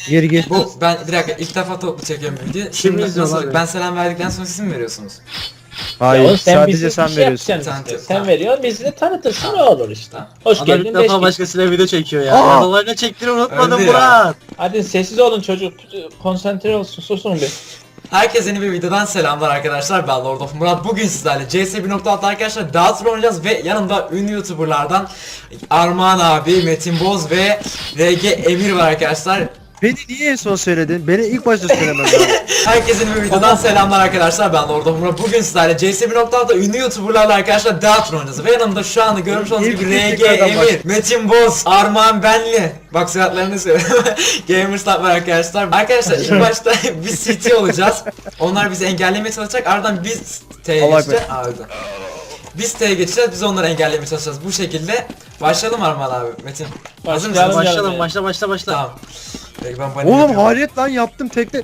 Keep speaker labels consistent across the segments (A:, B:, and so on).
A: Geri gir.
B: Ben bir dakika ilk defa toplu çekiyorum video.
C: Kim
B: Şimdi
C: izliyor
B: nasıl
C: abi?
B: ben selam verdikten sonra siz mi veriyorsunuz?
A: Hayır,
D: Ya sen
A: sadece
D: bizi
A: sen
D: bir şey
A: veriyorsun.
D: yapacaksın işte.
B: Tamam.
D: Sen veriyorsun, bizi de tanıtırsın, ne olur işte.
B: Tamam.
D: Hoş
C: Adam
D: geldin,
C: ilk
D: beş
C: defa
D: geldin.
C: başkasıyla video çekiyor ya.
A: Aa!
C: Adalarına çektiğini unutmadım
B: Öldü ya.
C: Murat.
D: Hadi sessiz olun çocuk, konsantre olsun, susun bir.
B: Herkese yeni bir videodan selamlar arkadaşlar. Ben Lord of Murat. Bugün sizlerle CS 1.6 arkadaşlar Dağıtır oynayacağız ve yanımda ünlü YouTuber'lardan Armağan abi, Metin Boz ve RG Emir var arkadaşlar.
A: Beni niye en son söyledin? Beni ilk başta söylemen lazım.
B: Herkese yeni bir videodan selamlar arkadaşlar. Ben Lord of Murat. Bugün sizlerle CS 1.6'da ünlü YouTuber'larla arkadaşlar Dağıtır oynayacağız ve yanımda şu anda görmüş olduğunuz
A: İlk
B: gibi RG
A: tekrardan
B: Emir, Metin Boz, Armağan Benli. Bak suratlarını söylüyorum. Gamerstar var arkadaşlar. Arkadaşlar ilk başta biz CT olacağız. Onlar bizi engellemeye çalışacak. Ardından biz T'ye
A: Allah
B: geçeceğiz. Biz T'ye geçeceğiz. Biz onları engellemeye çalışacağız. Bu şekilde başlayalım Armağan abi. Metin. Hazır mısın?
D: Başlayalım.
C: Başlayalım
D: yani.
C: başla.
B: Tamam. Peki ben panik
A: Oğlum
B: yapıyorum.
A: hariyet lan yaptım tekte.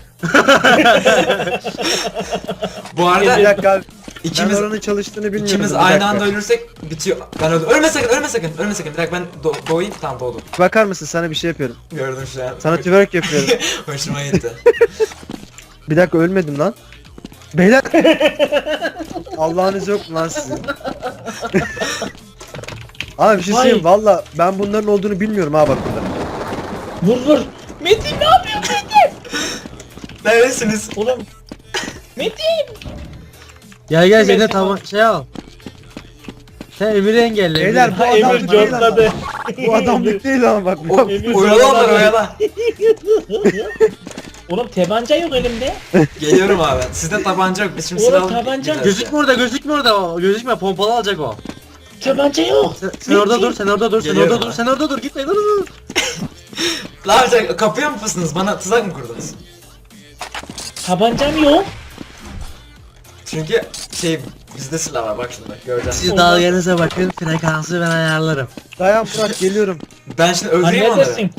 B: Bu
A: Bir
B: arada
A: dakika abi.
B: ikimiz
A: Ben oranın çalıştığını bilmiyorum.
B: ikimiz
A: Bir
B: aynı
A: dakika.
B: anda ölürsek bitiyor. Ben öldüm. Ölme sakın, ölme sakın, ölme sakın. Bir dakika ben doğayım. Tamam doğdum.
A: Bakar mısın, sana bir şey yapıyorum.
B: Gördüm şu an.
A: Sana twerk yapıyorum.
B: Hoşuma gitti.
A: Bir dakika, ölmedim lan. Beyler. Allah'ınız yok mu lan sizin? Abi bir şey söyleyeyim, valla ben bunların olduğunu bilmiyorum ha, bak burada.
D: Vur. Metin ne yapıyorsun Metin?
B: Neredesiniz?
D: Oğlum. Metin.
C: Gel seni tamam şey al. Sen Emir'i engelle.
A: Beyler,
C: Emir'i.
A: bu
D: Ha, Emir
A: adamlık değil ama.
D: cortladı.
A: Bu adamlık değil ama bak.
B: O,
D: Emir
B: oyala onları
D: zorladı.
B: oyala.
D: Oğlum tabanca yok elimde.
B: Geliyorum abi. Sizde tabanca yok. Biz şimdi
D: Oğlum,
B: silah alıp
D: tabanca-
B: gideceğiz
C: Gözükme orada gözükme pompalı alacak o.
D: Tabanca yok.
C: Sen orada dur sen orada dur
B: Geliyorum
C: sen orada dur gitme dur.
B: Ne yapacak? Kapıya mı fıstınız? Bana tuzak mı kurdunuz?
D: Tabancam yok.
B: Çünkü bizde silah var bak şimdi göreceksin.
C: Siz dalganıza bakın frekansı ben ayarlarım.
A: Dayan Murat, geliyorum.
B: Ben şimdi
D: Hani
B: öldüreyim onları.
D: neredesin?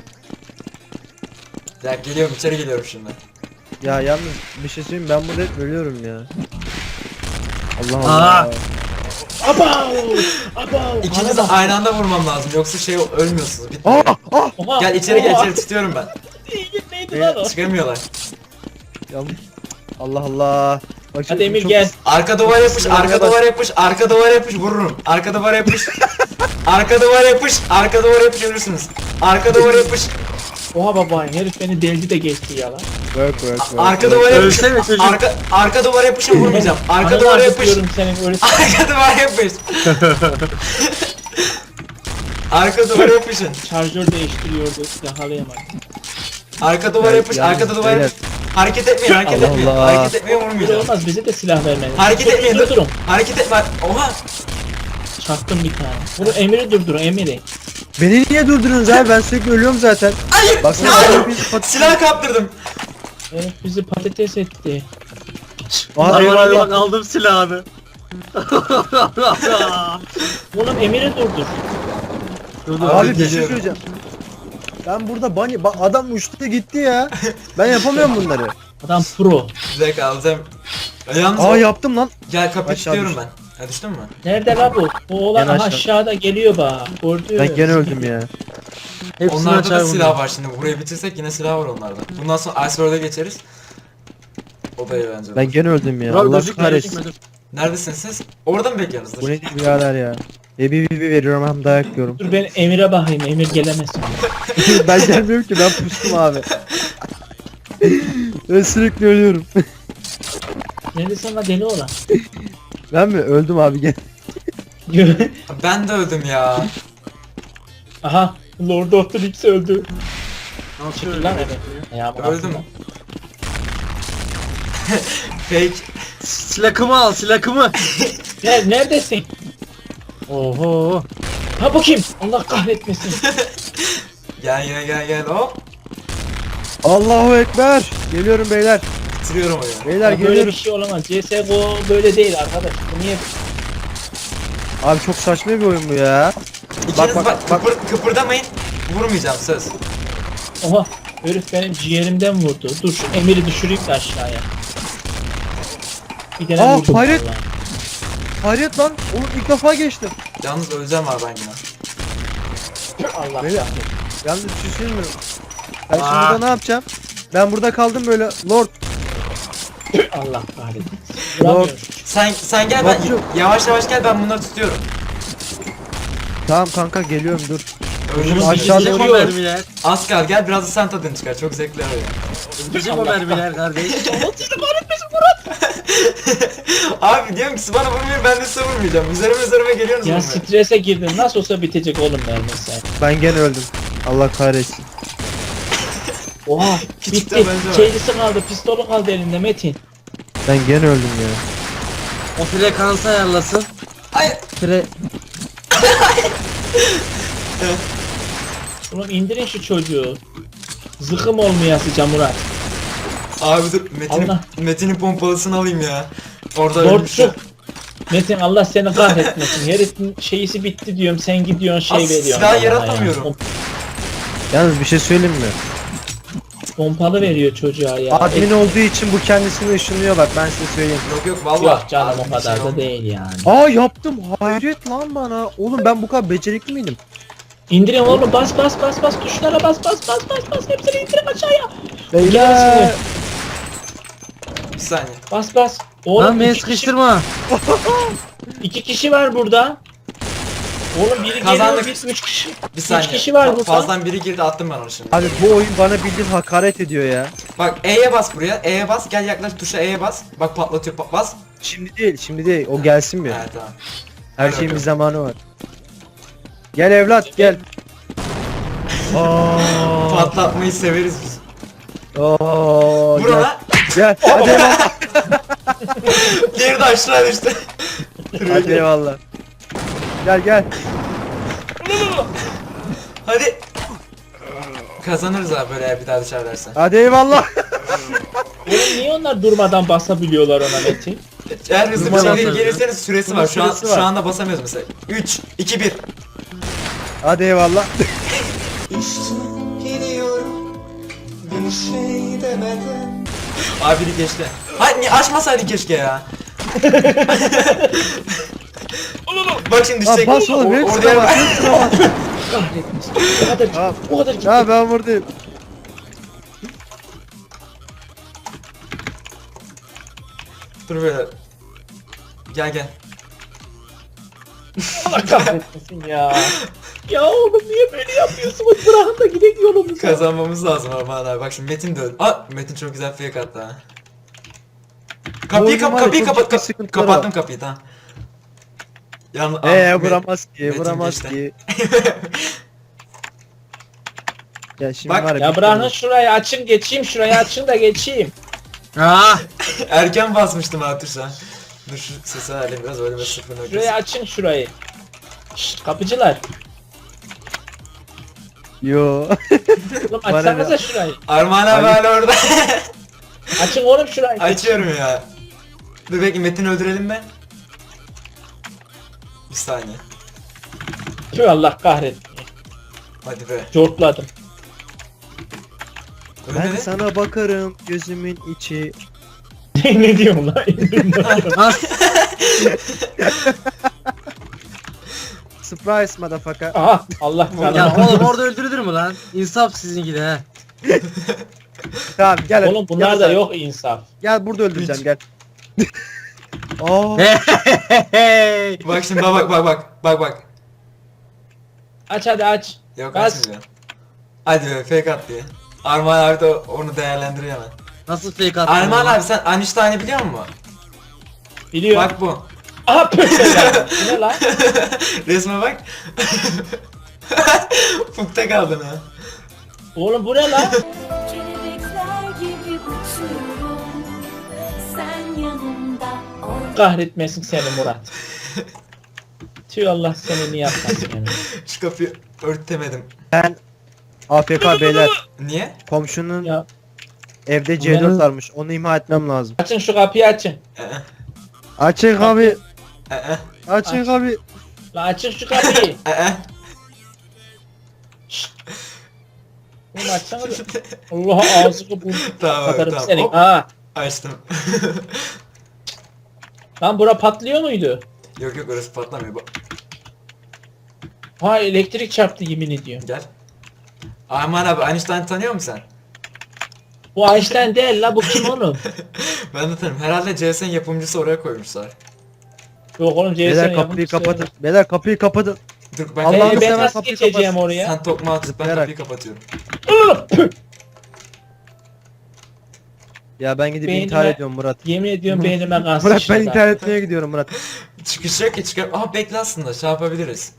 B: Ya geliyorum içeri geliyorum şimdi.
A: Ya yalnız bir şey söyleyeyim, ben burada hep ölüyorum ya. Allah
C: Aa!
A: Allah.
D: Abav.
B: İkiniz de aynı anda vurmam lazım yoksa ölmüyorsunuz. Bitmiyor.
D: Oha.
B: Gel içeri gel
D: Oha.
B: içeri tutuyorum ben.
D: Neydi lan o?
B: Çıkamıyorlar.
A: Yalnız. Allah Allah. Bak
D: Hadi
A: şimdi
D: Emir
A: çok-
D: gel.
B: Arka duvar yapış, arka duvar yapış, arka duvar yapış vururum. Arka duvar yapış. Arka duvar yapış, arka duvar yapış ölürsünüz. Arka duvar yapış,
D: Oha baba, herif beni deldi de geçti ya lan.
A: Work.
B: arka duvar yapış.
C: Ölsene çocuk.
B: Arka duvar yapışa vurmayacağım. Arka
D: Ananı
B: duvar yapış.
D: acıtıyorum senin öyle.
B: Arka duvar yapış. Arka duvar yapışın.
D: Şarjör değiştiriyordu, yakalayamadım.
B: Arka duvar yapış,
A: Yalnız
B: arkada duvar
A: beyler.
B: yapış. Hareket etmeyin, hareket
A: Allah
B: etmeyin.
A: Allah.
B: Hareket etmeyin
D: Bir
B: vurmayacağım.
D: olmaz, bize de silah vermedi.
B: Hareket etmeyin.
D: Durun.
B: Hareket etme. Oha.
D: Çaktım bir tane. Bunu Emir'i durdurun, Emir'i.
A: Beni niye durdurunuz abi? Ben sürekli ölüyorum zaten.
B: Hayır.
A: Baksana,
B: Hayır.
A: bana bir pat-
B: Silah kaptırdım.
D: Herif bizi patates etti.
A: Aa,
C: Bak aldım silahını.
D: Oğlum Emir'i durdur.
C: Dur,
A: Abi bir şey
B: geliyorum.
A: söyleyeceğim. Ben burada adam uçtu gitti ya. Ben yapamıyorum bunları.
D: Adam pro.
B: Bir dakika alacağım. Yalnız
A: Aa, yaptım lan.
B: gel kapıyı
A: Aşağı
B: tutuyorum
A: düştüm.
B: ben. Ha düştün mü?
D: Nerede la bu? O oğlan
A: Gene
D: aha
A: aşağı.
D: aşağıda geliyor bak. Gördün.
A: Ben gene öldüm ya.
C: Hepsini
B: Onlarda da
C: açar
B: silah var şimdi. Burayı bitirsek yine silah var onlarda. Bundan sonra Iceberg'e geçeriz. O da eğlenceli.
A: Ben gene öldüm ya.
C: Bak
A: Allah
C: gözükme
A: kahretsin.
B: Neredesiniz siz? Orada mı bekliyorsunuz?
A: Bu ne birader ya. Bir veriyorum, hem dayak yiyorum.
D: Dur ben Emir'e bakayım. Emir gelemezsin.
A: Ben gelmiyorum ki, ben pustum abi. Ben sürekli ölüyorum.
D: Neredesin la deli olan?
A: Ben mi? Öldüm abi, gel.
B: Ben de öldüm ya.
D: Aha. Lord of the Rings öldü.
C: Al
D: Dur
C: şöyle.
D: lan evet. Ya, bu
B: Öldüm. Fake.
C: Silahımı al silahımı.
D: Neredesin?
C: Oho.
D: Ha bu kim? Allah kahretmesin.
B: Gel hop.
A: Allahu Ekber. Geliyorum beyler.
B: Bitiriyorum oyunu.
A: Beyler
D: Ya böyle bir
A: geliyorum.
D: şey olamaz. CSGO böyle değil arkadaş. Bu niye?
A: Abi çok saçma bir oyun bu ya.
B: İkiniz
A: bak,
B: bak,
A: bak.
B: kıpırdamayın. Vurmayacağım söz.
D: Oha. Herif benim ciğerimden vurdu. Dur şu Emir'i düşüreyim de aşağıya. Bir tane
A: Aa,
D: vurdum
A: hayret.
D: vallahi.
A: Hayret lan. Oğlum ilk defa geçtim.
B: Yalnız öleceğim abi ben yine.
D: Allah
A: Beyler.
D: kahretsin.
A: Yalnız bir şey söyleyeyim mi? Ben şimdi
C: Aa.
A: burada ne yapacağım? Ben burada kaldım böyle lord.
D: Allah kahretsin. Vuramıyorum.
B: Sen gel ben
A: Bakıyorum.
B: yavaş yavaş gel ben bunları tutuyorum.
A: Tamam kanka geliyorum dur.
B: Öldürürüz
A: Aşağı
B: bizi.
C: Bitecek o
A: doğru.
C: mermiler.
B: Az kal gel biraz da sen tadını çıkar çok zevkli abi.
C: Bitecek o mermiler kardeş.
B: Abi diyorum ki bana vurmuyor ben de size vurmayacağım. Üzerime geliyorsunuz
D: Ya
B: vurmaya.
D: strese girdim. Nasıl olsa bitecek oğlum mermisi.
A: Ben gene öldüm. Allah kahretsin.
D: Oha
B: Küçük de
D: bitti.
B: bence var.
D: Şeylisi kaldı, pistolu kaldı elinde Metin.
A: Ben gene öldüm ya.
C: O frekansı ayarlasın.
B: Ay
C: Fre...
D: Oğlum indirin şu çocuğu. Zıkım olmayasıca Murat.
B: abi dur
D: Allah.
B: Metin'in pompalısını alayım ya. Orada ölmüş ya.
D: Lordçuk. Metin Allah seni kahretmesin. Herifin şeyisi bitti diyorum. Sen gidiyorsun şey
B: As-
D: veriyorsun.
B: silah
D: bana
B: yaratamıyorum.
D: ya.
A: Yalnız bir şey söyleyeyim mi?
D: Pompalı veriyor çocuğa ya.
A: Admin olduğu için bu kendisini ışınlıyor bak ben size söyleyeyim.
B: Yok vallahi.
D: Yok canım
B: Abi
D: o
B: bir
D: kadar
B: şey
D: da
B: olmaz.
D: değil yani.
A: Aa yaptım. Hayret lan bana. Oğlum ben bu kadar becerikli miydim?
D: İndirin oğlum bas tuşlara bas hepsini indirin aşağıya.
A: Beyler.
B: Bir saniye.
D: Bas. Oğlum
C: Lan beni
D: iki kişi,
C: sıkıştırma.
D: iki kişi var burada. Oğlum biri
B: Kazandık.
D: geliyor üç kişi.
B: Bir saniye.
D: kişi var burada.
B: Fazladan biri girdi attım ben onu şimdi.
A: Abi bu oyun bana bildiğin hakaret ediyor ya.
B: Bak E'ye bas buraya. E'ye bas. Gel yaklaş tuşa E'ye bas. Bak patlatıyor bas.
A: Şimdi değil. O gelsin bir.
B: Evet tamam.
A: Her
B: Hadi
A: şeyin bir
B: bakalım.
A: zamanı var. Gel evlat gel. Aa.
B: Patlatmayı severiz biz.
A: Oo.
B: Vur
A: Gel.
B: ona.
A: Gel. Hadi eyvallah.
B: Diğeri de aşağı düştü.
A: Hadi eyvallah. Gel.
B: Hadi. Kazanırız abi böyle bir daha dışarı dersen.
A: Hadi eyvallah.
D: Oğlum niye onlar durmadan basabiliyorlar ona Metin?
B: Eğer hızlı bir
C: Durmadan
B: şekilde
C: basarız.
B: gelirseniz süresi
A: Bunun
B: var. Şu an
A: süresi var.
B: şu anda basamıyoruz mesela. 3 2 1.
A: Hadi eyvallah.
E: Gidiyorum bir şey demeden.
B: Abi biri geçti. Hayır niye açmasaydın keşke ya. Bak şimdi
A: Aa,
B: düşecek.
A: bas oğlum.
B: O-
A: Hepsine
B: oraya
A: bas.
B: bak.
A: Hepsine bas.
D: Kahretmesin. O kadar gitti.
A: Ya ben buradayım.
B: Dur böyle. Gel.
D: Allah kahretmesin ya. Ya oğlum niye böyle yapıyorsunuz? Bırakın da gidelim yolumuza.
B: Kazanmamız lazım Armağan abi. Bak şimdi Metin de öldü. Aa Metin çok güzel fake attı ha.
A: oyunun var ya,
B: Kapıyı
A: çok
B: kapat.
A: ciddi sıkıntıları
B: Kapattım kapıyı tamam.
A: Vuramaz ki.
B: Metin
A: Vuramaz
B: geçti.
A: ki. Ya şimdi
B: Bak,
A: var
D: Ya
A: bir
D: bırakın
A: tane-
D: şurayı açın geçeyim şurayı açın da geçeyim.
C: Ah.
B: Erken basmıştım ha tuşa. Dur şu sesi alayım biraz öyle bir sıfır
D: Şurayı açın şurayı. Şşt kapıcılar.
A: Yo.
D: Oğlum
A: Bana
D: açsanıza
A: ne?
D: şurayı.
B: Armağan abi
A: Ali-
B: hala orada.
D: Açın oğlum şurayı.
B: Açıyorum ya. Dur bekle Metin'i öldürelim mi? Bir saniye.
D: Tüh Allah kahretsin.
B: Hadi be.
D: Cortladım.
A: Ben
B: Ölmedi.
A: sana bakarım gözümün içi.
D: Ne diyorum lan?
C: As.
A: Surprise motherfucker.
D: Aha Allah
C: Ya
D: kahretsin.
C: oğlum orada öldürülür mü lan? İnsaf sizinki de he.
A: Tamam gel.
D: Oğlum bunlar
A: gel
D: da
A: sen.
D: yok insaf.
A: Gel burada öldüreceğim gel. Aa.
C: Hey.
B: Bak şimdi bak.
D: Aç hadi aç.
B: Yok
D: Bas.
B: açmayacağım. Hadi be fake attı ya. Armağan abi de onu değerlendiriyor hemen.
C: Nasıl fake attın?
B: Armağan
C: ya?
B: abi sen Einstein'ı biliyor musun?
D: Biliyorum.
B: Bak bu.
D: Aha pöşeler. Bu ne lan?
B: Resme bak. Fukta kaldın ha.
D: Oğlum bu ne lan?
F: Kelebekler gibi uçuyorum. Sen yanımda ol.
D: Kahretmesin seni Murat. Tüh Allah seni niye yapmasın yani.
B: Şu kapıyı örtemedim.
A: Ben AFK beyler.
B: Niye?
A: Komşunun
D: Ya
A: evde C4 varmış. Onu imha etmem lazım.
D: açın şu kapıyı açın.
A: Açın abi.
B: Ee,
A: Açın abi.
D: La açın şu kapıyı. Oğlum açsana bir. Allah ağzını burnunu
B: Tamam
D: katarım
B: tamam.
D: senin.
B: Hop,
D: Ha.
B: açtım.
D: Lan bura patlıyor muydu?
B: Yok orası patlamıyor.
D: Ha elektrik çarptı yemin ediyorum.
B: Gel. Armağan abi Einstein tanıyor musun sen?
D: Bu Einstein değil la, bu kim oğlum?
B: Ben de tanıyorum. Herhalde CS'nin yapımcısı oraya koymuşlar.
D: Yok oğlum,
A: Beyler
D: CS'nin
A: kapıyı kapatın. Beyler kapıyı kapatın.
B: Dur ben
A: Allah'ını
D: Ben
A: seversen
D: nasıl
A: kapıyı
D: geçeceğim
A: kapat.
D: oraya?
B: sen tokma atıp ben
A: Zıplayarak.
B: kapıyı kapatıyorum.
A: Ya ben gidip
D: Beynime-
A: intihar ediyorum Murat.
D: Yemin ediyorum beynime kan
A: Murat
D: sıçradı.
A: ben intihar etmeye gidiyorum Murat.
B: Çıkış yok ki çıkar. Aha bekle aslında şey yapabiliriz.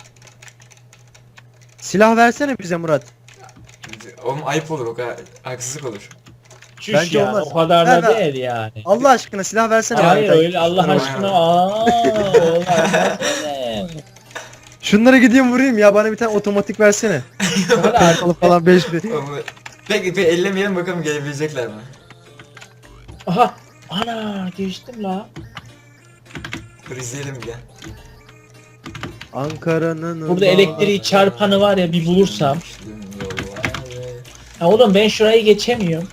A: Silah versene bize Murat.
B: Oğlum ayıp olur o kadar haksızlık olur.
D: Çüş
A: Bence
D: ya,
A: olmaz.
D: o kadar
A: Ver,
D: da
A: ver.
D: değil yani.
A: Allah aşkına silah versene.
D: Hayır
A: bana.
D: öyle Allah
B: Tamam.
D: aşkına. Olmaz öyle.
A: Şunlara gideyim vurayım ya, bana bir tane otomatik versene.
D: Hadi
A: Arkalı falan 5 bir.
B: Oğlum, peki ellemeyelim bakalım gelebilecekler mi?
D: Aha. Ana geçtim la.
B: Dur izleyelim gel.
A: Ankara'nın
D: Burada elektriği çarpanı var ya, bir bulursam. Ha oğlum ben şurayı geçemiyorum.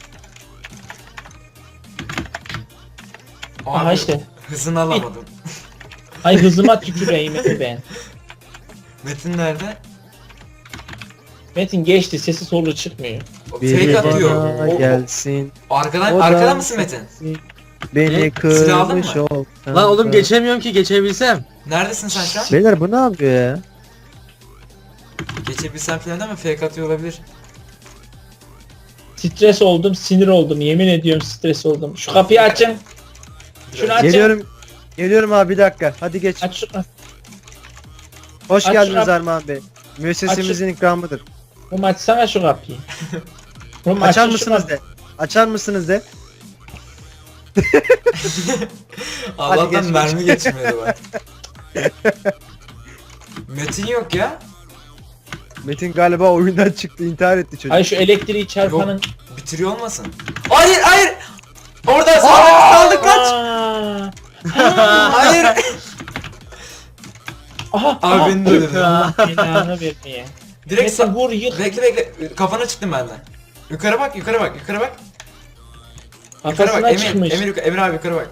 D: Aha
B: Abi,
D: işte.
B: hızını alamadım.
D: Ay hızıma tüküreyim ben.
B: Metin nerede?
D: Metin geçti, sesi solu çıkmıyor.
B: O
A: biri
B: fake atıyor.
A: bana gelsin.
B: Arkadan,
A: O da-
B: arkadan mısın Metin?
A: Beni
B: Silah aldın
A: kırmış
B: mı?
A: ol.
C: Lan oğlum geçemiyorum ki, geçebilsem.
B: Neredesin sen şu an?
A: Beyler bu ne yapıyor ya?
B: Geçebilsem falan ama fake atıyor olabilir.
D: Stres oldum, sinir oldum. Yemin ediyorum stres oldum. Şu kapıyı açın. Şunu açın.
A: Geliyorum. Geliyorum abi, bir dakika. Hadi geç.
D: Aç şunu.
A: Hoş
D: aç
A: geldiniz
D: şunu.
A: Armağan Bey. Müessesemizin ikramıdır.
D: Oğlum açsana şu kapıyı. Oğlum
A: Açar
D: açın şu
A: mısınız
D: kapıyı.
A: de? Açar mısınız de?
B: Allah'tan
A: geç,
B: mermi geçmedi bak. Metin yok ya.
A: Metin galiba oyundan çıktı, intihar etti çocuk.
D: Ay şu elektriği çarpanın.
B: Bitiriyor olmasın? Hayır hayır. Orada saldık kaç.
D: Aa!
B: Hayır.
D: Aha.
B: Abi beni de öldürdü.
D: Allah belanı vermeye.
B: Direkt
D: Metin vur yık.
B: bekle bekle. Kafana çıktım benden. Yukarı bak yukarı bak yukarı bak. Yukarı
D: Kafasına
B: bak
D: çıkmış.
B: Emir abi yukarı bak.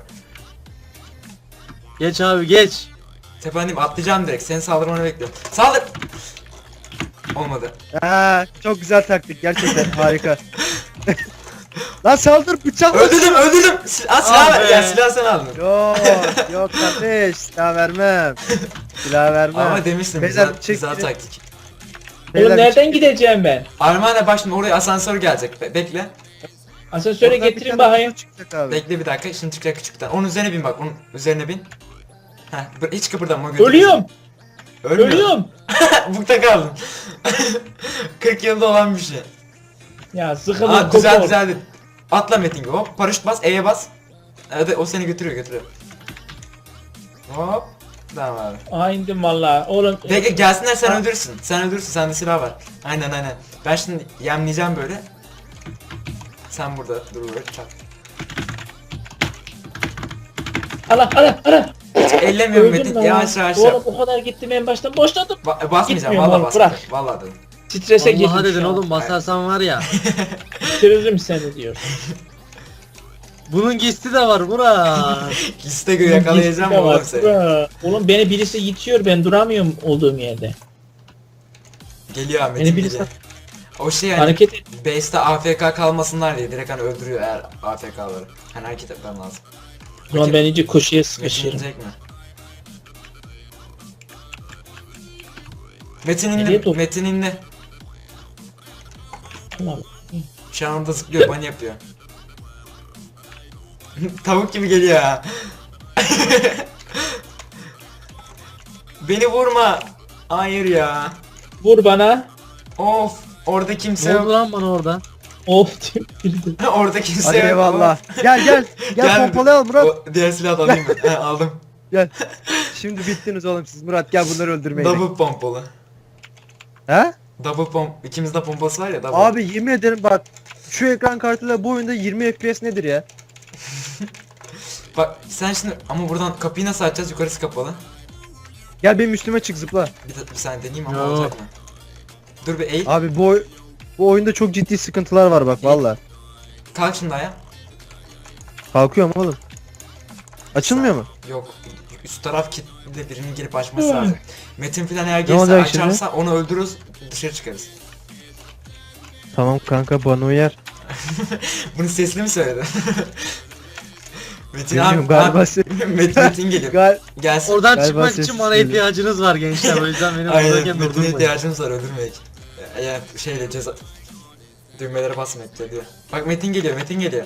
C: Geç abi geç.
B: Tependeyim atlayacağım direkt. Senin saldırmanı bekliyorum. Saldır. Olmadı.
A: Çok güzel taktik gerçekten, harika. Lan saldır, bıçak.
B: Öldürdüm. Silah ver.
C: be.
B: Ya silah sen aldın.
A: Yok yok kardeş, silah vermem. Silah vermem.
B: Ama demiştim
A: Beyler,
B: güzel,
A: çek
B: güzel
A: beni.
B: taktik.
A: Beyler,
D: Oğlum nereden gideceğim ben?
B: Armağan'a bak şimdi oraya asansör gelecek. Bekle.
D: Asansöre
A: oradan bir
D: getirin
A: tane
D: bakayım.
A: çıkacak abi.
B: Bekle bir dakika. Şimdi çıkacak küçükten. Onun üzerine bin bak. Onun üzerine bin. Heh, hiç kıpırdama. götür.
D: Ölüyorum.
B: Ölmüyor.
D: Ölüyorum.
B: Bukta kaldım. 40 yılda olan bir şey.
D: Ya sıkıldım.
B: Aa güzel
D: kopar.
B: güzeldi. Atla Metin gibi. Hop paraşüt bas. E'ye bas. Evet o seni götürüyor. Hop. Tamam abi.
D: Aa indim valla. Oğlum.
B: Bekle gelsinler sen öldürürsün. Sen öldürürsün. Sende silah var. Aynen. Ben şimdi yemleyeceğim böyle. Sen burada dur böyle çak.
D: Ala.
B: Ellemiyorum
D: Öldüm
B: Metin.
D: lan.
B: Yavaş yavaş
D: Oğlum
B: yap.
D: o kadar gittim en baştan boşladım.
B: Basmayacağım.
D: Gitmiyorum
B: Vallahi
D: oğlum,
B: basmayacağım.
D: bırak.
B: Vallahi dedim.
D: Strese girdim
C: Allah'a dedin
D: şu an.
C: oğlum, basarsan var ya.
D: Bitiririm seni diyor.
C: Bunun gisti de var Murat.
B: İste yakalayacağım
D: Gitme
B: oğlum
D: bak,
B: seni.
D: bura. Oğlum beni birisi itiyor, ben duramıyorum olduğum yerde.
B: Geliyor Metin
D: Beni birisi
B: geliyor. O şey yani
D: hareket et.
B: base'te AFK kalmasınlar diye direkt hani öldürüyor eğer AFK'ları. Hani hareket etmem lazım.
D: O zaman ben iyice koşuya
B: Metin
D: sıkışırım.
B: inecek mi? Metin
D: Nereye
B: indi.
D: dur?
B: Metin indi.
D: Tamam.
B: Şu anda zıplıyor, bunny yapıyor. Tavuk gibi geliyor ha. Beni vurma. Hayır ya.
D: Vur bana.
B: Of. Orada kimse
C: Ne oldu
B: yok.
C: lan bana orada?
D: Of tükürdüm.
B: Orada kimse
A: Hadi
B: yok.
A: eyvallah. Gel pompalı al Murat.
B: O diğer silahı da alayım ben. He, aldım.
A: Gel. Şimdi bittiniz oğlum siz. Murat gel bunları öldürmeye.
B: Double pompalı.
A: He?
B: Double pomp. İkimizde pompası var ya double.
A: Abi yemin ederim bak, şu ekran kartıyla bu oyunda 20 FPS nedir ya?
B: Bak sen şimdi ama buradan kapıyı nasıl açacağız? Yukarısı kapalı.
A: Gel benim üstüme çık, zıpla.
B: Bir saniye deneyeyim ama
C: Yo.
B: olacak mı? Dur bir eğil.
A: Abi bu oyunda çok ciddi sıkıntılar var bak valla.
B: Kalk şimdi ayağa.
A: Kalkıyorum oğlum. Açılmıyor mu?
B: Yok. Üst taraf kilitli, birinin girip açması lazım. Metin filan eğer gelirse
A: olacak şimdi?
B: açarsa onu öldürürüz, dışarı çıkarız.
A: Tamam kanka bana uyar.
B: Bunu sesli mi söyledin? Metin
A: Bilmiyorum,
B: abi,
A: galiba
B: Metin geliyor. Gelsin.
C: Oradan
A: Galiba
C: çıkmak
A: sessiz
C: için bana
A: geliyor.
C: ihtiyacınız var gençler. O yüzden beni
B: Aynen,
C: buradayken
B: Metin'e
C: durdurmayın.
B: ihtiyacımız var, öldürmek. Eğer şeyle ceza... Düğmelere basmak diyor. Bak Metin geliyor, Metin geliyor.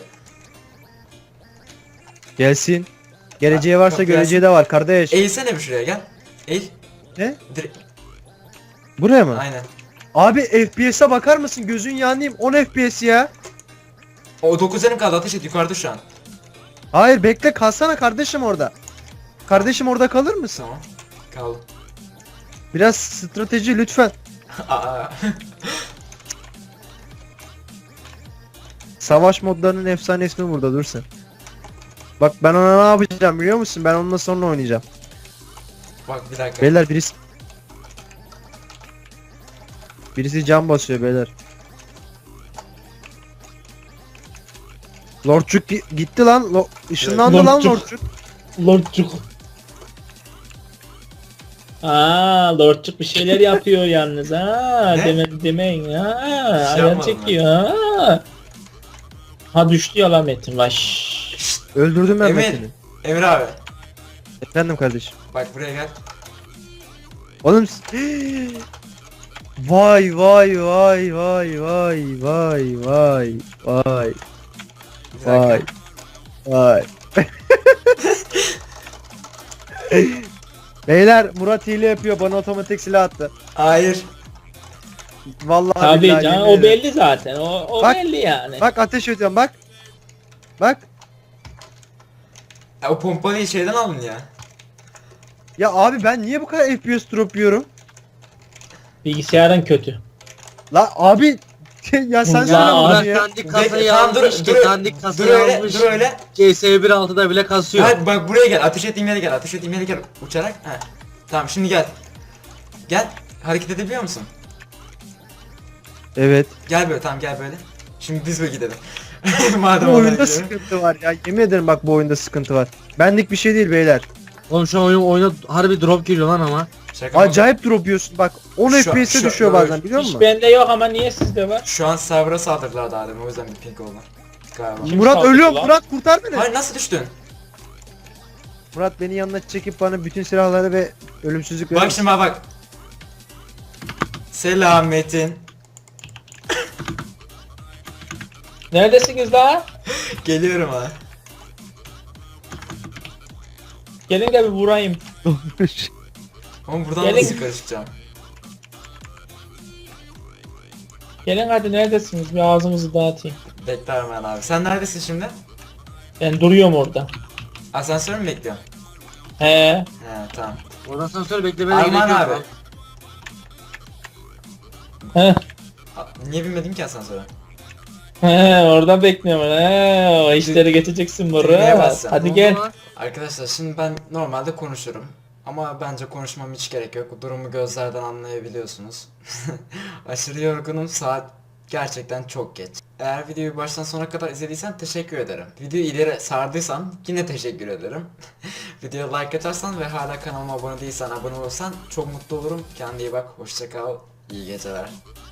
A: Gelsin. Geleceği varsa
B: Bak,
A: göreceği de var kardeş.
B: Eğilsene bir şuraya, gel. Eğil.
A: Ne?
B: Direkt,
A: Buraya mı?
B: aynen.
A: Abi FPS'e bakar mısın? Gözün yanayım. 10 FPS ya.
B: O 9 canım kaldı, ateş et, yukarıda şu an.
A: Hayır bekle, kalsana kardeşim orada. Kardeşim orada kalır mısın?
B: Tamam. Kaldı.
A: Biraz strateji lütfen.
B: Aa.
A: Savaş modlarının efsanesini burada dur sen. Bak ben ona ne yapacağım biliyor musun? Ben onunla sonra oynayacağım.
B: Bak bir dakika.
A: Beyler birisi cam basıyor beyler. Lordçuk gitti lan. Işınlandı lan
D: Lordçuk.
A: Lordçuk.
D: Lordçuk. Lordçuk bir şeyler yapıyor yalnız ha.
B: Ne?
D: Demeyin ha.
B: şey
D: Ayar
B: yapmadım
D: çekiyor ha. Ha düştü ya lan Metin baş.
A: Öldürdüm ben
B: Emir.
A: Metin'i.
B: Emir abi.
A: Efendim kardeşim.
B: Bak buraya gel.
A: Oğlum vay vay vay vay vay vay vay vay
B: Bir dakika.
A: vay vay. Beyler Murat hile yapıyor, bana otomatik silah attı.
B: Hayır.
A: Vallahi
D: Tabii
A: billahi
D: canım
A: yemin
D: o
A: ederim.
D: belli zaten. O
A: Bak,
D: belli yani.
A: Bak ateş ediyorum bak. Bak.
B: Ya, o pompalıyı şeyden aldın ya.
A: Ya abi ben niye bu kadar FPS drop yiyorum?
D: Bilgisayarın kötü.
A: La abi ya sen
D: Ya
A: söyle
D: abi,
A: bana
C: Murat
A: ya.
C: dandik kasayı
B: Bekle, tamam, dur,
C: almış.
B: dur,
C: Dandik
B: dur
C: kasayı
B: öyle,
C: almış.
B: dur öyle.
C: CS 1.6'da bile kasıyor.
B: Hadi bak buraya gel, ateş ettiğim yere gel, ateş ettiğim yere gel uçarak. He. Tamam şimdi gel. Gel, hareket edebiliyor musun?
A: Evet.
B: Gel böyle, tamam gel böyle. Şimdi biz böyle gidelim. Madem
A: Bu
B: oraya
A: oyunda
B: gidelim.
A: sıkıntı var ya. Yemin ederim bak bu oyunda sıkıntı var. Benlik bir şey değil beyler.
C: Oğlum şu an oyuna harbi drop geliyor lan ama.
B: Şaka mı?
A: Acayip drop yiyorsun. Bak 10
B: Şu-
A: FPS'e
B: şu-
A: düşüyor
B: böyle-
A: bazen biliyor
D: Hiç
A: musun?
D: bende yok ama niye sizde var?
B: Şu an server'a saldırdılar daha demin, o yüzden bir ping oldu. Galiba.
D: Kim
A: Murat
D: saldırdı
A: ölüyor.
D: lan?
A: Murat kurtar beni.
B: Hayır, nasıl düştün?
A: Murat beni yanına çekip bana bütün silahları ve ölümsüzlük verir
B: Bak
A: misin?
B: şimdi bak. Selam Metin.
D: Neredesiniz daha?
B: Geliyorum ha.
D: Gelin de bir vurayım.
B: Ama buradan
D: Gelin.
B: nasıl karışacağım?
D: Gelin hadi neredesiniz? Bir ağzımızı dağıtayım.
B: Bekler ben abi. Sen neredesin şimdi?
D: Ben duruyorum orada.
B: Asansör mü bekliyorsun?
D: He.
B: He tamam.
C: Oradan sonra söyle beklemene
B: Arman
C: gerek yok.
B: abi.
C: Lan.
D: He.
B: Niye binmedin ki asansöre?
D: He oradan bekliyorum. He o işleri geçeceksin
B: Düğmeye
D: Murat.
B: bassana.
D: Hadi
C: Oldu
D: gel.
C: lan.
B: Arkadaşlar şimdi ben normalde konuşurum. Ama bence konuşmam hiç gerek yok. Durumu gözlerden anlayabiliyorsunuz. Aşırı yorgunum. Saat gerçekten çok geç. Eğer videoyu baştan sona kadar izlediysen teşekkür ederim. Videoyu ileri sardıysan yine teşekkür ederim. Videoya like atarsan ve hala kanalıma abone değilsen abone olursan çok mutlu olurum. Kendine iyi bak. Hoşça kal. İyi geceler.